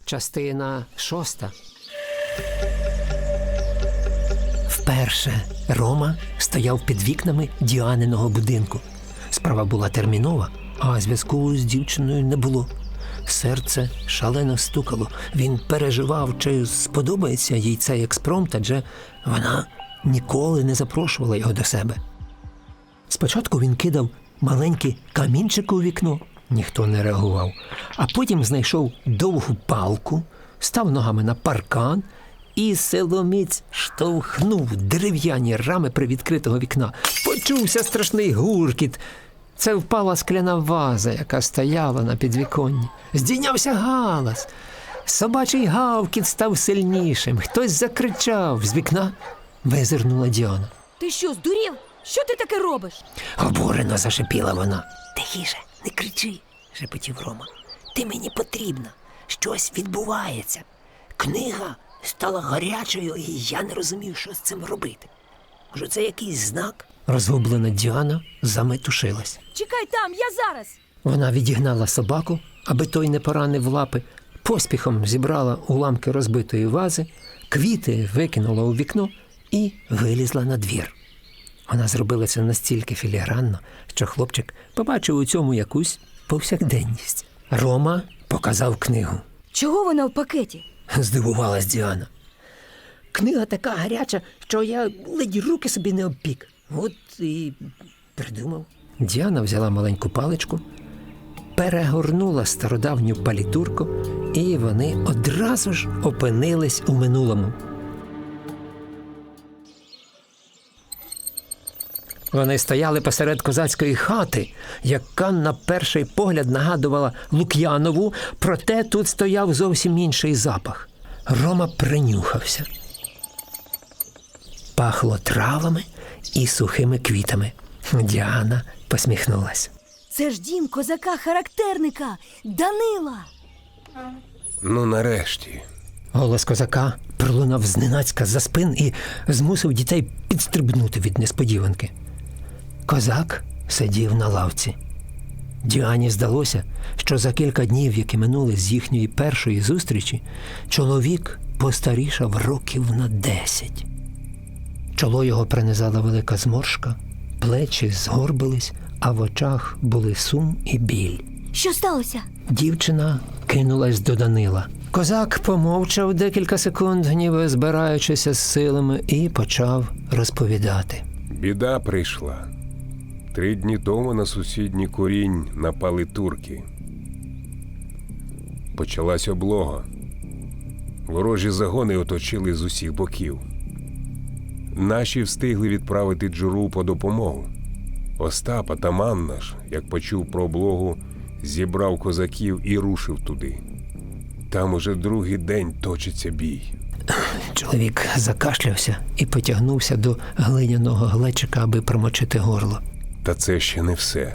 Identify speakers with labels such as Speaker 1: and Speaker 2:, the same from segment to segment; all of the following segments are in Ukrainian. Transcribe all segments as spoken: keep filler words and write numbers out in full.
Speaker 1: Частина шоста. Вперше Рома стояв під вікнами Діаниного будинку. Справа була термінова, а зв'язку з дівчиною не було. Серце шалено стукало. Він переживав, чи сподобається їй цей експромт, адже вона ніколи не запрошувала його до себе. Спочатку він кидав маленькі камінчики у вікно, ніхто не реагував, а потім знайшов довгу палку, став ногами на паркан і силоміць штовхнув дерев'яні рами привідкритого вікна. Почувся страшний гуркіт. Це впала скляна ваза, яка стояла на підвіконні. Здійнявся галас. Собачий гавкіт став сильнішим. Хтось закричав. З вікна визирнула Діана.
Speaker 2: Ти що, здурів? Що ти таке робиш?
Speaker 1: Обурено зашипіла вона.
Speaker 3: Тихіше, не кричи, шепотів Рома. Ти мені потрібна. Щось відбувається. Книга стала гарячою, і я не розумів, що з цим робити. Може, це якийсь знак?
Speaker 1: Розгублена Діана заметушилась.
Speaker 2: Чекай там, я зараз.
Speaker 1: Вона відігнала собаку, аби той не поранив лапи, поспіхом зібрала уламки розбитої вази, квіти викинула у вікно і вилізла на двір. Вона зробила це настільки філігранно, що хлопчик побачив у цьому якусь повсякденність. Рома показав книгу.
Speaker 2: Чого вона в пакеті?
Speaker 1: Здивувалась Діана. Книга така гаряча, що я ледь руки собі не обпік. От і придумав. Діана взяла маленьку паличку, перегорнула стародавню палітурку, і вони одразу ж опинились у минулому. Вони стояли посеред козацької хати, яка на перший погляд нагадувала Лук'янову, проте тут стояв зовсім інший запах. Рома принюхався. Пахло травами і сухими квітами. Діана посміхнулась.
Speaker 2: Це ж дім козака-характерника, Данила.
Speaker 4: Ну, нарешті.
Speaker 1: Голос козака пролунав зненацька з-за спин і змусив дітей підстрибнути від несподіванки. Козак сидів на лавці. Діані здалося, що за кілька днів, які минули з їхньої першої зустрічі, чоловік постарішав років на десять. Чоло його принизала велика зморшка, плечі згорбились, а в очах були сум і біль.
Speaker 2: Що сталося?
Speaker 1: Дівчина кинулась до Данила. Козак помовчав декілька секунд, ніби збираючися з силами, і почав розповідати.
Speaker 4: Біда прийшла. Три дні тому на сусідній курінь напали турки. Почалась облога. Ворожі загони оточили з усіх боків. Наші встигли відправити Джуру по допомогу. Остап, атаман наш, як почув про облогу, зібрав козаків і рушив туди. Там уже другий день точиться бій.
Speaker 1: Чоловік закашлявся і потягнувся до глиняного глечика, аби промочити горло.
Speaker 4: Та це ще не все.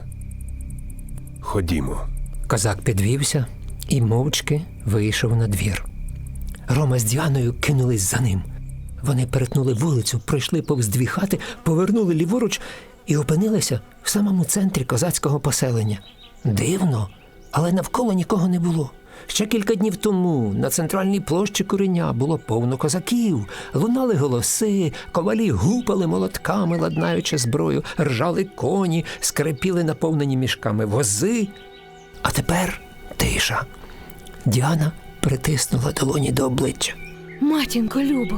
Speaker 4: Ходімо.
Speaker 1: Козак підвівся і мовчки вийшов на двір. Рома з Діаною кинулись за ним. Вони перетнули вулицю, пройшли повз дві хати, повернули ліворуч і опинилися в самому центрі козацького поселення. Дивно, але навколо нікого не було. Ще кілька днів тому на центральній площі Куреня було повно козаків. Лунали голоси, ковалі гупали молотками, ладнаючи зброю, ржали коні, скрипіли наповнені мішками вози. А тепер тиша. Діана притиснула долоні до обличчя.
Speaker 2: Матінко Любо.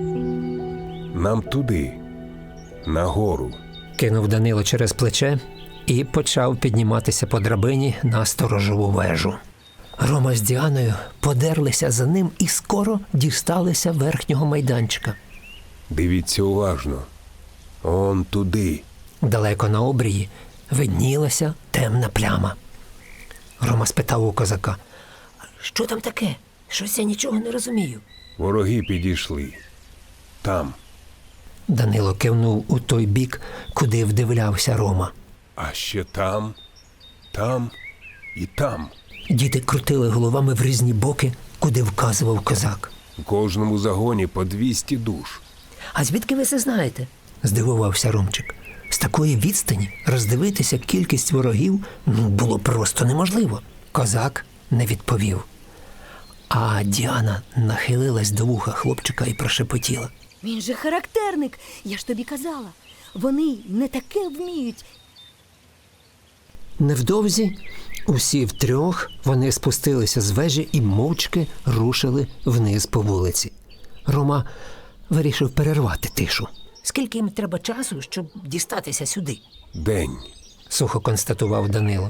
Speaker 4: Нам туди, нагору.
Speaker 1: Кинув Данило через плече і почав підніматися по драбині на сторожову вежу. Рома з Діаною подерлися за ним і скоро дісталися верхнього майданчика.
Speaker 4: Дивіться уважно. Он туди.
Speaker 1: Далеко на обрії виднілася темна пляма. Рома спитав у козака.
Speaker 3: Що там таке? Щось я нічого не розумію.
Speaker 4: Вороги підійшли. Там.
Speaker 1: Данило кивнув у той бік, куди вдивлявся Рома.
Speaker 4: А ще там, там і там.
Speaker 1: Діти крутили головами в різні боки, куди вказував козак.
Speaker 4: У кожному загоні по двісті душ.
Speaker 3: А звідки ви це знаєте?
Speaker 1: Здивувався Ромчик. З такої відстані роздивитися кількість ворогів ну, було просто неможливо. Козак не відповів. А Діана нахилилась до вуха хлопчика і прошепотіла.
Speaker 2: Він же характерник. Я ж тобі казала. Вони не таке вміють.
Speaker 1: Невдовзі усі втрьох вони спустилися з вежі і мовчки рушили вниз по вулиці. Рома вирішив перервати тишу.
Speaker 3: Скільки їм треба часу, щоб дістатися сюди?
Speaker 4: День.
Speaker 1: Сухо констатував Данило.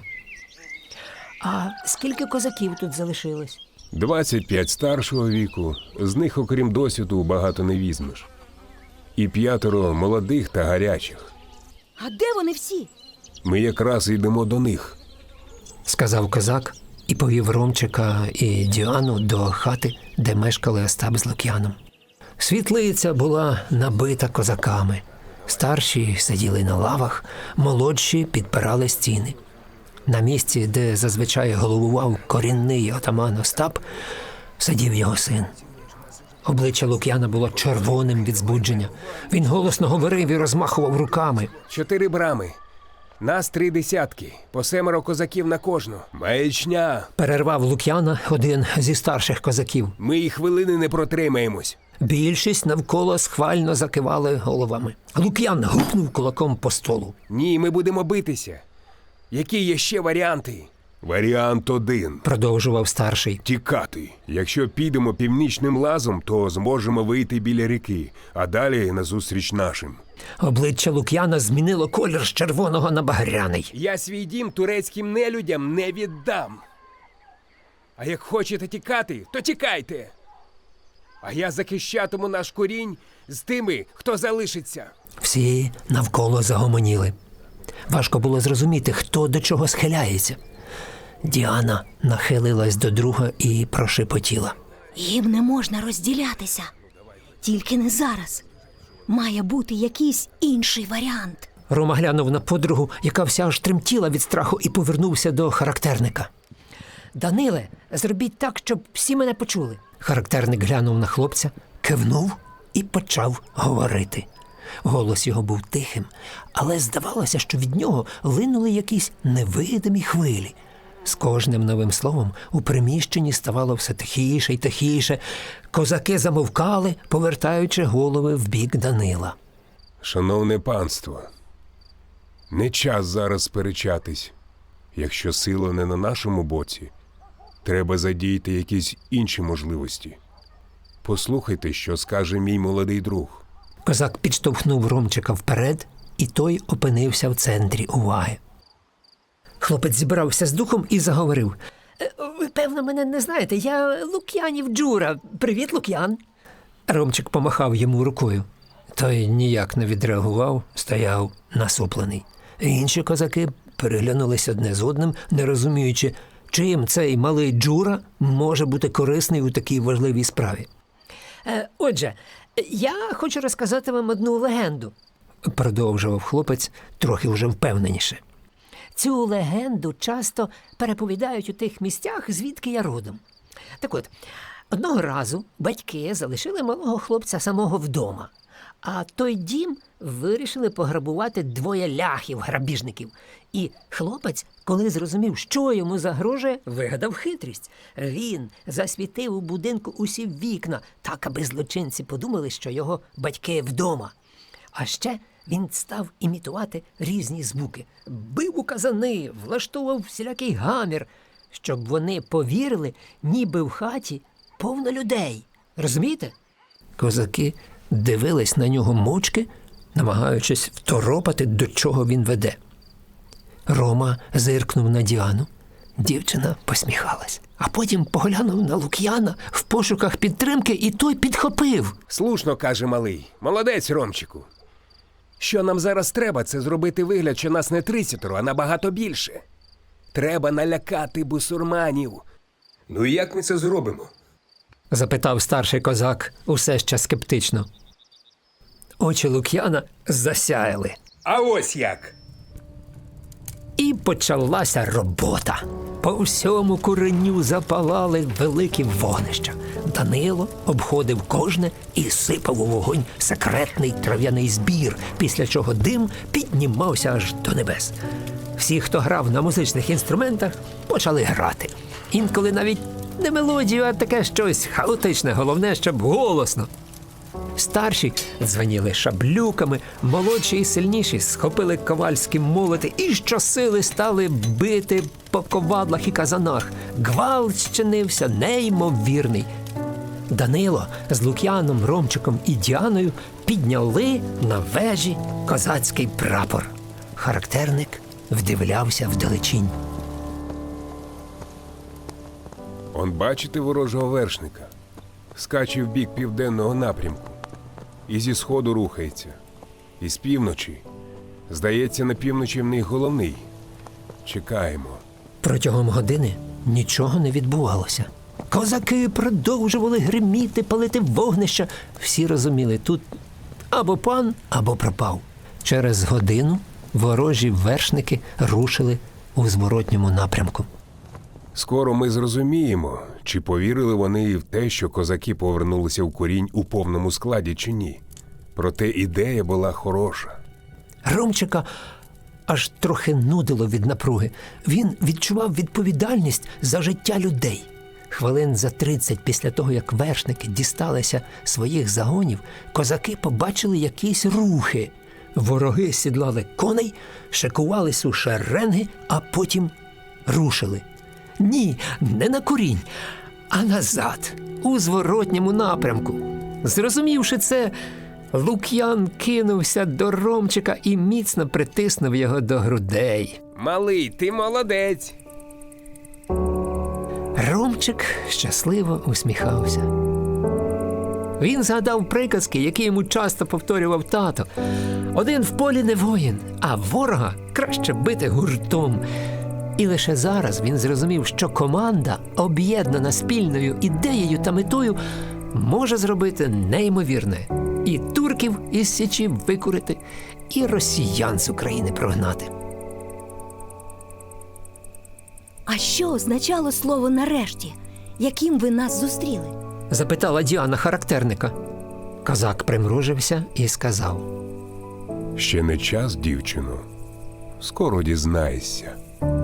Speaker 3: А скільки козаків тут залишилось?
Speaker 4: Двадцять п'ять старшого віку, з них, окрім досвіду, багато не візьмеш. І п'ятеро молодих та гарячих.
Speaker 2: А де вони всі?
Speaker 4: Ми якраз йдемо до них.
Speaker 1: Сказав козак і повів Ромчика і Діану до хати, де мешкали Остап з Лук'яном. Світлиця була набита козаками. Старші сиділи на лавах, молодші підпирали стіни. На місці, де зазвичай головував корінний отаман Остап, сидів його син. Обличчя Лук'яна було червоним від збудження. Він голосно говорив і розмахував руками.
Speaker 5: Чотири брами. Нас три десятки, по семеро козаків на кожну. Маячня!
Speaker 1: Перервав Лук'яна один зі старших козаків.
Speaker 5: Ми і хвилини не протримаємось.
Speaker 1: Більшість навколо схвально закивали головами. Лук'ян гупнув кулаком по столу.
Speaker 5: Ні, ми будемо битися. Які є ще варіанти?
Speaker 4: Варіант один.
Speaker 1: Продовжував старший.
Speaker 4: Тікати. Якщо підемо північним лазом, то зможемо вийти біля ріки, а далі назустріч нашим.
Speaker 1: Обличчя Лук'яна змінило колір з червоного на багряний.
Speaker 5: Я свій дім турецьким нелюдям не віддам. А як хочете тікати, то тікайте. А я захищатиму наш корінь з тими, хто залишиться.
Speaker 1: Всі навколо загомоніли. Важко було зрозуміти, хто до чого схиляється. Діана нахилилась до друга і прошепотіла.
Speaker 2: Їм не можна розділятися. Тільки не зараз. Має бути якийсь інший варіант.
Speaker 1: Рома глянув на подругу, яка вся аж тремтіла від страху, і повернувся до характерника.
Speaker 3: Даниле, зробіть так, щоб всі мене почули.
Speaker 1: Характерник глянув на хлопця, кивнув і почав говорити. Голос його був тихим, але здавалося, що від нього линули якісь невидимі хвилі. З кожним новим словом у приміщенні ставало все тихіше й тихіше. Козаки замовкали, повертаючи голови в бік Данила.
Speaker 4: Шановне панство, не час зараз сперечатись. Якщо сила не на нашому боці, треба задіяти якісь інші можливості. Послухайте, що скаже мій молодий друг.
Speaker 1: Козак підштовхнув Ромчика вперед, і той опинився в центрі уваги. Хлопець зібрався з духом і заговорив.
Speaker 3: Е, Ви, певно, мене не знаєте. Я Лук'янів Джура. Привіт, Лук'ян.
Speaker 1: Ромчик помахав йому рукою. Той ніяк не відреагував, стояв насуплений. Інші козаки переглянулись одне з одним, не розуміючи, чим цей малий Джура може бути корисний у такій важливій справі.
Speaker 3: Е, Отже, я хочу розказати вам одну легенду.
Speaker 1: Продовжував хлопець трохи вже впевненіше.
Speaker 3: Цю легенду часто переповідають у тих місцях, звідки я родом. Так от, одного разу батьки залишили малого хлопця самого вдома, а той дім вирішили пограбувати двоє ляхів-грабіжників. І хлопець, коли зрозумів, що йому загрожує, вигадав хитрість. Він засвітив у будинку усі вікна, так, аби злочинці подумали, що його батьки вдома. А ще він став імітувати різні звуки. Бив у казани, влаштовував всілякий гамір, щоб вони повірили, ніби в хаті повно людей. Розумієте?
Speaker 1: Козаки дивились на нього мовчки, намагаючись второпати, до чого він веде. Рома зиркнув на Діану. Дівчина посміхалась. А потім поглянув на Лук'яна в пошуках підтримки, і той підхопив.
Speaker 5: Слушно, каже малий. Молодець, Ромчику. Що нам зараз треба, це зробити вигляд, що нас не тридцятеро, а набагато більше. Треба налякати бусурманів.
Speaker 4: Ну і як ми це зробимо?
Speaker 1: Запитав старший козак усе ще скептично. Очі Лук'яна засяяли.
Speaker 5: А ось як!
Speaker 1: І почалася робота. По всьому куреню запалали великі вогнища. Данило обходив кожне і сипав у вогонь секретний трав'яний збір, після чого дим піднімався аж до небес. Всі, хто грав на музичних інструментах, почали грати. Інколи навіть Не мелодію, а таке щось хаотичне, головне, щоб голосно. Старші дзвоніли шаблюками, молодші і сильніші схопили ковальські молоти і щосили стали бити по ковадлах і казанах. Гвалт щинився неймовірний. Данило з Лук'яном, Ромчиком і Діаною підняли на вежі козацький прапор. Характерник вдивлявся вдалечінь.
Speaker 4: Он бачите ворожого вершника? Скаче в бік південного напрямку. І зі сходу рухається. І з півночі. Здається, на півночі в них головний. Чекаємо.
Speaker 1: Протягом години нічого не відбувалося. Козаки продовжували гриміти, палити вогнища. Всі розуміли, тут або пан, або пропав. Через годину ворожі вершники рушили у зворотньому напрямку.
Speaker 4: Скоро ми зрозуміємо, чи повірили вони і в те, що козаки повернулися в Курінь у повному складі, чи ні. Проте ідея була хороша.
Speaker 1: Ромчика аж трохи нудило від напруги. Він відчував відповідальність за життя людей. Хвилин за тридцять після того, як вершники дісталися своїх загонів, козаки побачили якісь рухи. Вороги сідлали коней, шикувались у шеренги, а потім рушили. Ні, не на Курінь, а назад, у зворотньому напрямку. Зрозумівши це, Лук'ян кинувся до Ромчика і міцно притиснув його до грудей.
Speaker 5: Малий, ти молодець.
Speaker 1: Ромчик щасливо усміхався. Він згадав приказки, які йому часто повторював тато. Один в полі не воїн, а ворога краще бити гуртом. І лише зараз він зрозумів, що команда, об'єднана спільною ідеєю та метою, може зробити неймовірне. І турків із Січі викурити, і росіян з України прогнати.
Speaker 2: А що означало слово «нарешті», яким ви нас зустріли?
Speaker 1: Запитала Діана характерника. Козак примружився і сказав:
Speaker 4: Ще не час, дівчино. Скоро дізнаєшся.